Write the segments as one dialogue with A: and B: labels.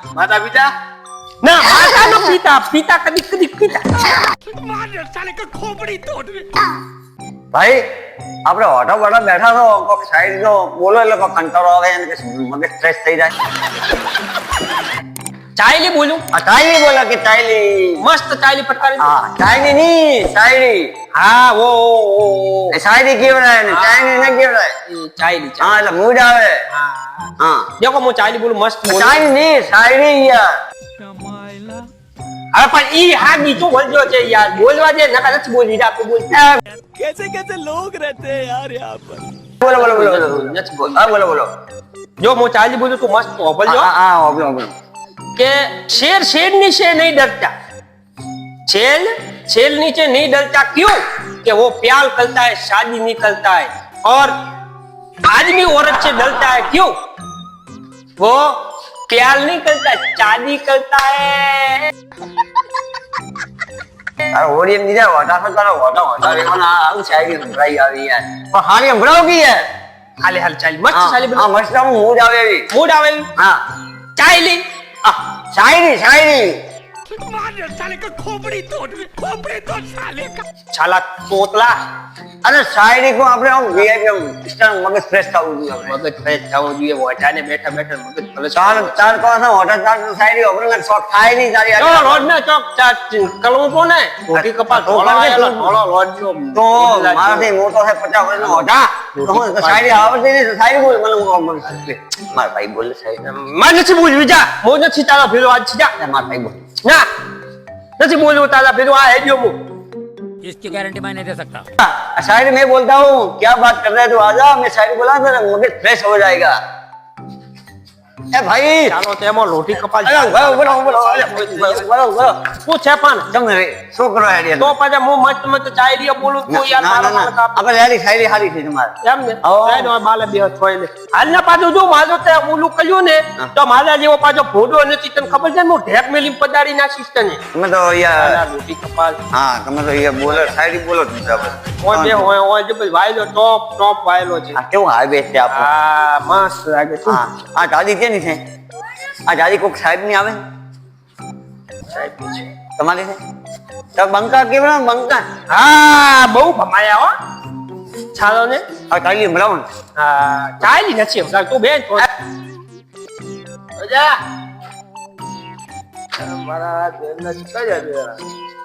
A: માતા પિતા
B: ના માતા નો પિતા પિતા કદી કદી પિતા
C: ભાઈ આપણે ઓટો બોટો બેઠા છો કોક સાઈડ જો બોલો એટલે કોક કંટાળો આવે અને કે મગજ સ્ટ્રેસ થઈ જાય.
B: ચાયલી બોલું
C: આ ચાયલી બોલો કે ચાયલી
B: મસ્ત ચાયલી ફટકારી દો.
C: હા ચાયલી ની શાયરી
B: હા ઓ
C: એ શાયરી કેવડાય ને ચાયલી ન કેવડાય.
B: ચાયલી
C: હા એટલે મૂડ આવે. હા
B: દેખો હું ચાયલી બોલું મસ્ત બોલું.
C: ચાયલી ની શાયરી યાર.
B: હવે પણ ઈ હા બીજું બોલજો છે યાર બોલવા દે નકા નથી બોલી જા તું બોલ.
D: कैसे कैसे लोग रहते हैं यार यहाँ पर.
C: બોલો બોલો બોલો
B: નથી બોલ.
C: હા બોલો બોલો.
B: જો હું ચાયલી બોલું તું મસ્ત બોલજો
C: હા હા બોલો બોલો.
B: કે शेर शेर नीचे नहीं डरता छेल छेल नीचे नहीं डरता क्यों कि वो प्यार करता है शादी नहीं करता है और आदमी औरत से डरता है क्यों वो प्यार नहीं करता शादी करता है.
C: અરે ઓડિયન્સ ની જાય વટા તારા વટા વટા રેવાના આવું શાયરી સંભળાઈ આવી યાર પણ હારી સંભળાવ કે યાર.
B: હાલે હાલ ચાલી મસ્ત ચાલી
C: હા મસ્ત આમ મૂડ આવે એવી.
B: મૂડ આવેલું
C: હા
B: ચાલી
C: શાયરી શાયરી
B: છાલા તોતલા
C: અરે શાયરી કો આપણે આમ વીઆઈપી સ્ટાર મગજ ફ્રેશ થવું જોઈએ આપણે.
B: મગજ ફ્રેશ થવો જોઈએ વટાને બેઠા બેઠા મગજ ફ્રેશ
C: ચાર ચાર કોસા હોટલ ચાર શાયરી આપણે શોખ થાય નહીં તારી
B: તો રોડ ને ચોક ચાટ કલમ કો ને રોટી કપા ધોળા આયેલા ધોળો રોડ નો
C: તો મારાથી મોટો છે 50 વર્ષનો હોટા તો હું શાયરી આવડતી નહીં શાયરી બોલ મને મારા ભાઈ બોલે શાયરી
B: માં નથી બોલવી જા મો નથી તારા ભેરો આજ છે જા
C: મારા ભાઈ બોલ
B: ના નથી બોલવું તારા ભેરો આ હેડ્યો મુ
D: इसकी गारंटी मैं नहीं दे सकता.
C: शायरी मैं बोलता हूँ क्या बात कर रहे हो आजा मैं शायरी बोला तो मगज फ्रेश हो जाएगा. ए भाई
B: ચાલો તેમાં રોટી કપાલ
C: અરે બોલો બોલો બોલો બોલો બોલો
B: શું છે પણ
C: તમે છોકરો હેડિયા
B: તો પાછા હું મસ્ત મસ્ત ચાય રિયા બોલું તું યાર
C: ના ના
B: મારા
C: ના આપણે યારી શાયરી હારી છે તમારે.
B: એમ ને સાઈડ માં બાલે બે થોય ને હાલના પાછું જો માજો તે ઓલું કર્યું ને તો મારા જેવો પાછો ભોડો નથી તને ખબર છે હું ઢેક મેલી પદારી નાખીશ તને
C: તમે તો યાર
B: રોટી કપાલ
C: હા તમે તો યાર બોલો શાયરી બોલો જ બરાબર.
B: ઓય બે ઓય જે ભાઈ વાયલો ટોપ ટોપ વાયલો છે
C: આ કેવું હાઈવે છે આપણો.
B: હા મસ્ત લાગે છે
C: હા આ દાદી કેની છે આ દાદી કોક સાહેબ ની આવે
B: સાહેબ છે
C: તમારી છે તો બંકા કેવડા બંકા
B: હા બહુ ભમાયા હો ચાલો ને
C: આ કાલી મળાવો ને
B: હા ચાલી નથી હમણાં તું બેન જા મારા બેન નથી કઈ જાય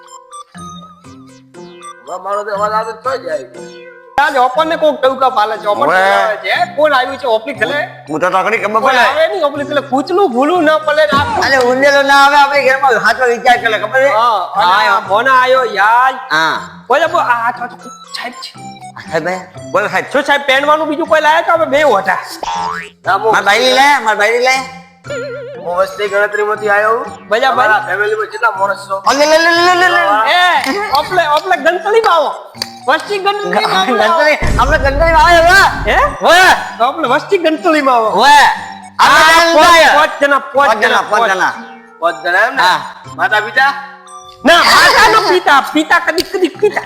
B: મારો તો અવાજ આવે તો જાય આજે ઓપન ને કોક ટવકા પાલે છે ઓપન છે કોણ આવ્યું છે ઓપલી ખેલે
C: હું તો તકડી ખબર
B: કોઈ
C: પડે
B: આવે નહીં ઓપલી ખેલે કૂચલું ભૂલું ન પડે ને આ
C: અરે ઉંદેલો ના આવે આપણે ઘરમાં હાથો વિચાર કરે ખબર છે
B: હા મોના આયો યાર
C: હા
B: બોલે બો આ હાથ સાહેબ છે
C: સાહેબ બોલ સાહેબ
B: શું સાહેબ પહેરવાનું બીજું કોઈ લાયા તો અમે બે હોટા
C: માર ભાઈ લે માર ભાઈ લે
A: હું વસ્તી ગણતરીમાંથી આવ્યો
B: બજા ભાઈ
A: ફેમિલીમાં કેટલા માણસ છો
C: લે લે લે લે લે
B: એ ઓપલે ગંતલી માં આવો વસ્તી ગંતલી માં આવો
C: ગંતરી આપણે ગંતરી આવે હવે
B: હે
C: ઓય
B: ઓપલે વસ્તી ગંતલી માં આવો
C: ઓય
B: પાંચ જણા
C: પાંચ જણા
A: બધા એમ ને
C: હા.
A: માતા પિતા
B: ના માતા નો પિતા પિતા કદી કદી પિતા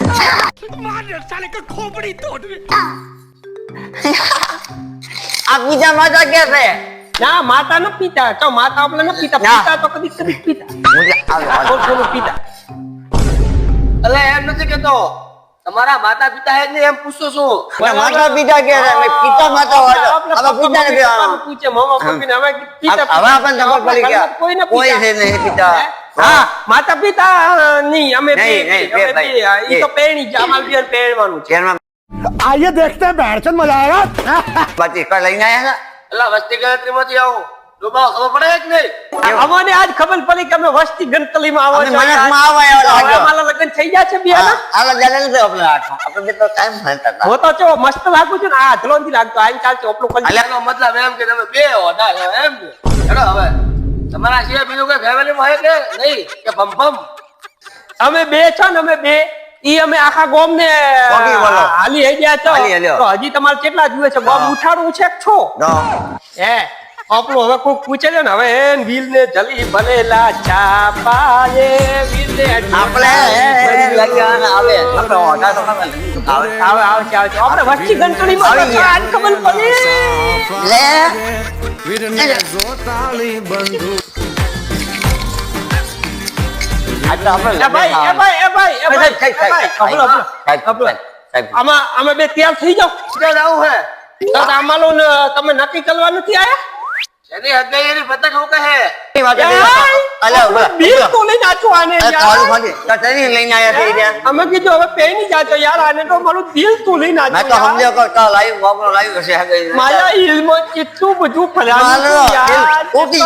C: આ બીજા માતા કે છે
B: ના માતા નો પિતા તો માતા આપણે નો પિતા
C: ના.
B: પિતા તો કદી કદી પિતા
C: મુજે આવે
B: કોણ પિતા
A: એટલે એમ નથી કેતો તમારા માતા પિતા હે ને એમ પૂછતો છું
C: માતા પિતા કે છે મેં પિતા માતા હોય હવે પિતા ને
B: પૂછે મામા પપ્પી ને હવે પિતા
C: હવે આપણને ખબર પડી ગયા
B: કોઈ ને
C: કોઈ છે નહીં પિતા
B: હા માતા પિતા નહીં અમે બે
C: નહીં, નહીં, બે ભાઈ.
B: ઈ તો પેણી છે અમાર બે પેણવાનું છે
C: જેનમાં
D: आइए देखते हैं बैठचंद मजा आएगा.
C: બાકી કઈ લઈને આયા
A: એટલે વસ્તી ગણતરીમાંથી આવું ડોબા ખબર પડે કે નહીં
B: અમને આજ ખબર પડી કે અમે વસ્તી ગણતરીમાં આવો
C: અમે
B: છો
C: મનસમાં આવા એવા લાગ્યો.
B: હવે અમારા લગ્ન થઈ ગયા છે બે ના
C: આલા જાલે નથી આપણે આઠમાં આપણે બે તો ટાઈમ ભણતા હતા
B: હું તો ચો મસ્ત લાગુ છું ને આ ધલોનથી લાગતો આઈ ચાલશે ઓપલો કરી
A: એનો મતલબ એમ કે તમે બે હોતા છો એમ ને હેડો હવે તમારા સિવાય બીજું કોઈ ફેમિલીમાં હોય કે નહીં કે ભમ
B: અમે બે છો ને અમે બે ઈ અમે આખા ગોમ ને
C: કોકી બોલો.
B: હાલી હઈ ગયા છો
C: હાલી હાલ્યો.
B: તો હજી તમારે કેટલા જુએ છે ગોમ ઉઠાડવું છે કે છો
C: તો
B: હે આપણું હવે કોઈ પૂછે છે ને હવે એન વીલ ને જલી ભલેલા ચાપાએ વીલ ને
C: આપણે લગન આવે આપણે ઓઢા તો ખબર આવે
B: આવે છે આપણે વસ્તી ગણતરીમાં
C: આવી ગયા.
B: આજ ખબર પડી
C: લે
D: વીરને જોતાળી બંધુ
C: આ તો આપણે
B: એ ભાઈ એ ભાઈ એ ભાઈ એ ભાઈ એ ભાઈ હબળો હબળો આમાં બે તૈયાર થઈ જાઓ
A: ક્યાં જાવું હે
B: તો આમાલો તમે નક્કી કરવા નથી આયા
A: એની હગાઈ એની પતંગ હું કહે
B: બિલ તો લઈને આચો આને યાર
C: લઈને આયા છે ત્યાં
B: અમે કીધું હવે પે નહીં જાતો યાર આને તો મારું દિલ તો લઈને આચો
C: મેં તો સમજ્યો કે તો લાઈવ બાબરો લાઈવ હશે હગાઈ
B: મારા ઇલ્મમાં કેટલું બધું ફલાણું
C: મારો
B: યાર
C: તૂટી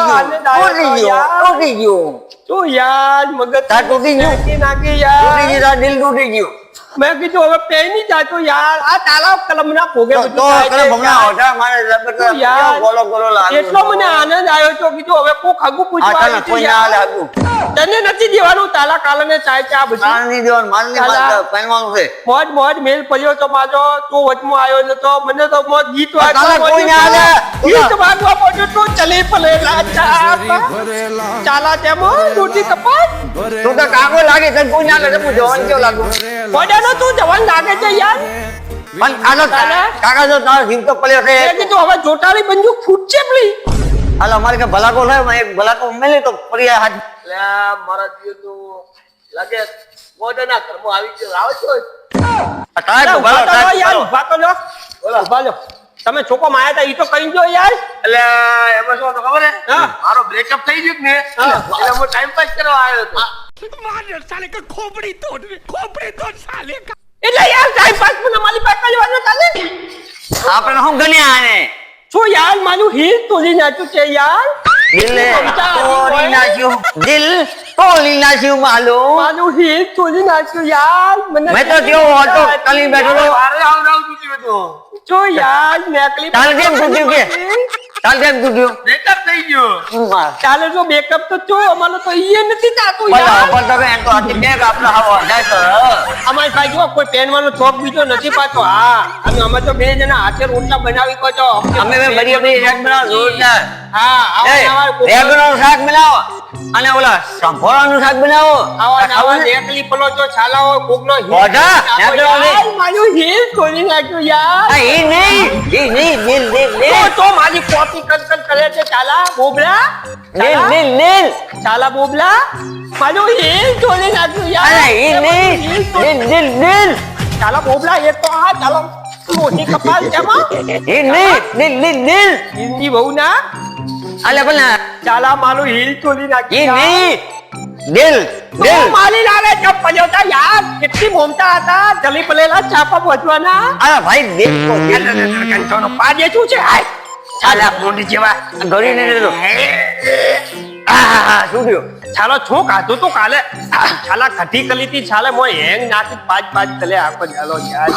C: ગયું
B: તો યાર મગજ
C: તાર તૂટી ગયું?
B: નાખી યાર
C: દિલ તૂટી ગયું
B: મેં કીધું હવે પે નહીં જાતો યાર આ તાલાબ કલમના ભોગે
C: તો
B: બધું થાય
C: કને
B: છે
C: ભમણા
B: યાર.
C: હોટા મારે જબરદસ્ત
B: યાર,
C: ગોલો ગોલો લાગે
B: એટલો મને આનંદ આવ્યો તો કીધું હવે કોક હગું પૂછવા
C: આટલા
B: આવ્યું
C: કોઈ
B: છે
C: ના
B: યાર.
C: લાગુ
B: તને નથી દેવાનું તાલા કાલાને ચાય ચા બધું
C: માર નહીં દેવાનું માર નહીં
B: તાલા.
C: માર પહેરવાનું છે
B: મોજ મોજ મેલ પડ્યો તો માજો તું વચમાં આવ્યો નતો મને તો મોજ ગીત
C: તાલા કોઈ ના
B: વાગવા
C: આવે.
B: ગીત વાગવા પડ્યો તો ચલે પલે ચાલા તેમાં રોટી કપાસ
C: તું તો કાકો લાગે તને કોઈ ના લાગે હું જવાન કેવું લાગુ
B: મોજાનો તું જવાન લાગે છે યાર
C: પણ આનો કાકા જો તારો જીવ તો પડ્યો છે
B: મેં કીધું હવે જોટાળી બંદૂક ફૂટશે પેલી
C: હાલ અમારે કે ભલાકો થાય મેં એક ભલાકો મેલે તો ફરી હાથ
A: એટલે મારા જીવ તો લાગે મોઢાના ઘરમાં આવી ગયો આવો છો
C: તારે તો ભલો
B: ઉભા તો લો યાર
C: થાય
B: ઉભા તો લો ઉભા લો તમે ચોકો માં આયા તા ઈ તો કહી દો યાર
A: એટલે એમાં શું હતું ખબર હે
B: હા.
A: મારો બ્રેકઅપ થઈ ગયું ને
B: હા.
A: એટલે હું ટાઈમ પાસ કરવા આવ્યો હતો
D: मार साले का खोपड़ी तोड़ साले का
B: એટલે યાર ટાઈમ પાસ મને મારી પાસે કરવાનો ચાલે
C: આપણે હું ગણ્યા આને
B: શું યાર મારું હીર તોડી નાખ્યું છે યાર
C: દિલ તોડી નાખ્યું દિલ તોડી નાખ્યું માલુમ
B: મારું હીર તોડી નાખ્યું યાર મને
C: મેં તો કેવો હતો કલી બેઠો તો
A: મારે આવું તૂટ્યું હતું
B: જો યાર નેકલી
C: તારે કેમ તૂટ્યું કે તારે કેમ તૂટ્યું
A: બ્રેકઅપ થઈ ગયું
B: ચાલે જો બેકઅપ તો જો અમારો તો ઈએ નથી થાતું
C: ભલા
B: યાર
C: પણ તમે એમ તો આથી બેગ આપણે હવા જાય તો
B: અમારી પાસે જો કોઈ પહેરવાનો શોખ બીજો નથી પાછો હા અને અમે તો બે જણા હાથે રોટલા બનાવી કહો છો
C: અમે બે બધી બધી શાક બનાવો જોરદાર
B: હા આવા
C: રેગનું શાક બનાવો અને ઓલા સંભોળાનું શાક બનાવો
B: આવા નેકલી પલો જો છાલાઓ કોકનો
C: મોઢા, નેકલો નહીં.
B: મારું હીર તોડી નાખ્યું યાર
C: આ એ નહીં દિલ
B: તો મારી કોપી કન કરે છે ચાલા બોબલા
C: દિલ
B: ચાલા બોબલા મારું હીર તોડી નાખ્યું યાર
C: અરે એ નહીં દિલ
B: ચાલા બોબલા એક તો આ ચાલો રોટી કપાલ કેમાં
C: એ નહીં દિલ
B: હિન્દી બહુ ના
C: અલે પણ
B: ચાલા મારું હીર તોડી
C: એ
B: નાખ્યું
C: નહીં દિલ
B: મારી લાલે ચપ પડ્યો હતા યાર કેટલી મોમતા હતા જલી પલેલા ચાપા પહોંચવાના
C: અરે ભાઈ દિલ તો દિલ
B: કંઠોનો પાડે શું છે હાય ચાલા મોંડી જેવા
C: ગળી ને દેતો આ શું થયું
B: ચાલો છો કાધું તો કાલે ચાલા ખટી કલીતી ચાલે મોય હેંગ નાખી પાંચ કલે આખો ચાલો યાર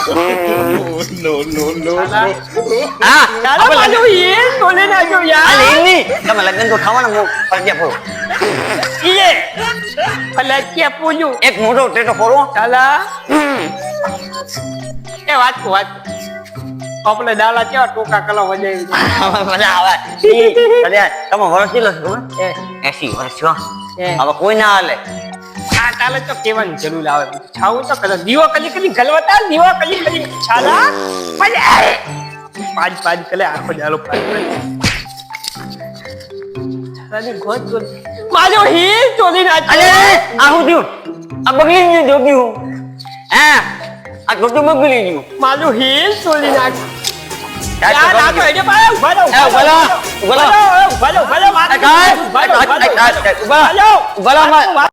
C: હા
B: ચાલો માજો એ તોલે નાજો
C: અલે
B: યાર
C: એ નહીં તમે લગ્ન તો થવાના મો ફરજે ફરો
B: ઈએ ભલે કે પૂજ્યું
C: એક મોટો ટેટો ફરો
B: ચાલા એ વાત આપણે દાલા કેવા ટોકા કલા વજાવી
C: મજા આવે અરે તમે વર્ષ કેટલો છો ખબર 80 વર્ષ છો હવે કોઈ ના હાલે
B: આ તાલે તો કેવાની જરૂર આવે છાવું તો કરે દીવો કલી ગલવતા દીવો કલી છાલા પાંચ કલે આખો જાલો છાલાની ગોત ગોત માજો હીર ચોરી
C: અલે
B: નાખ્યો
C: આ હું થયું આ બગલી ગયું જોગી હું હે આ છોટું બગલી ગયું
B: માજો હીર ચોરી નાખ્યો
C: યાર,
B: યાર આ તો એને પાડે ઉભા રહો
C: ઉભા રહો.
B: ઉભા રહો